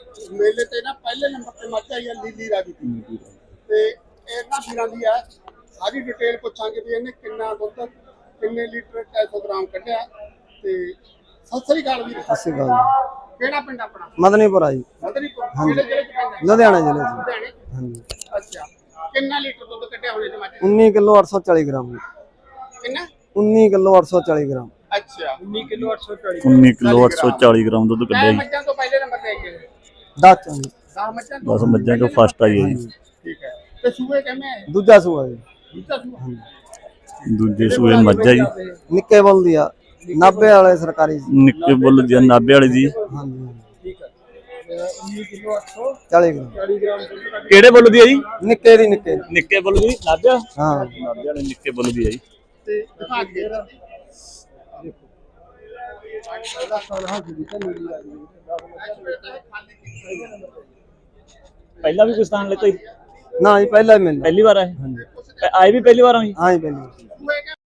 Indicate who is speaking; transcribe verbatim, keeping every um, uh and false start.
Speaker 1: ਮੇਲੇ ਤੇ ਨਾ ਪਹਿਲੇ ਨੰਬਰ ਤੇ ਮੱਝ ਆਈ ਆ ਲੀਲੀ ਰਾਵੀ ਦੀ ਤੇ ਇਹਨਾਂ ਵੀਰਾਂ ਦੀ ਆ ਸਾਰੀ ਡਿਟੇਲ ਪੁੱਛਾਂਗੇ ਵੀ ਇਹਨੇ ਕਿੰਨਾ ਦੁੱਧ ਕਿੰਨੇ ਲੀਟਰ ਤਿੰਨ ਸੌ ਗ੍ਰਾਮ ਕੱਢਿਆ ਤੇ ਸਤਿ ਸ੍ਰੀ ਅਕਾਲ ਵੀਰ।
Speaker 2: ਸਤਿ ਸ੍ਰੀ ਅਕਾਲ।
Speaker 1: ਕਿਹੜਾ ਪਿੰਡ ਆਪਣਾ?
Speaker 2: ਮਦਨੀਪੁਰਾ ਜੀ।
Speaker 1: ਮਦਨੀਪੁਰ ਕਿਹੜੇ ਜ਼ਿਲ੍ਹੇ ਚ ਪੈਂਦਾ?
Speaker 2: ਲੁਧਿਆਣਾ ਜ਼ਿਲ੍ਹੇ ਚ।
Speaker 1: ਲੁਧਿਆਣੇ।
Speaker 2: ਹਾਂਜੀ।
Speaker 1: ਅੱਛਾ ਕਿੰਨਾ ਲੀਟਰ ਦੁੱਧ ਕੱਢਿਆ ਹੋਣੇ ਤੇ ਮੱਝ?
Speaker 2: उन्नीस किलो आठ सौ चालीस ग्राम।
Speaker 1: ਕਿੰਨਾ?
Speaker 2: उन्नीस किलो आठ सौ चालीस ग्राम।
Speaker 1: ਅੱਛਾ उन्नीस किलो आठ सौ चालीस
Speaker 3: उन्नीस किलो आठ सौ चालीस ग्राम दुध कड्ढिया जी।
Speaker 1: ਮੱਝਾਂ ਤੋਂ ਪਹਿਲੇ ਨੰਬਰ ਤੇ ਆਈ ਹੈ
Speaker 2: दस चौंगी।
Speaker 1: दस मੱਝਾਂ ਤੋਂ
Speaker 3: दस मज्जां चो फस्ट आई है जी।
Speaker 1: ठीक है ਤੇ ਸੂਏ ਕਿਵੇਂ ਆਏ?
Speaker 2: दूजा सूआ जी।
Speaker 1: ਦੂਜਾ ਸੂਆ।
Speaker 3: दूजे सूए मज्जा जी।
Speaker 2: निक्के बुल दिया नब्बे वाले सरकारी जी।
Speaker 3: निक्के बुल दिया नाभे वाले जी।
Speaker 2: हाँ जी।
Speaker 1: ठीक है उन्नीस किलो आठ सौ
Speaker 2: चालीस ग्राम।
Speaker 1: चालीस ग्राम
Speaker 3: केड़े बुल दिया जी?
Speaker 2: निक्के दी निक्के।
Speaker 3: निक्के बुल दी नाभे।
Speaker 2: हाँ
Speaker 3: नाभे वाले निक्के बुल दिया जी।
Speaker 1: ਤੇ ਦਿਖਾ ਕੇ
Speaker 3: पहला भी कुछ स्थान लेते ही
Speaker 2: ना जी पहला ही मिल।
Speaker 3: पहली बार आए? आए भी पहली बार आई?
Speaker 2: हाँ जी पहली।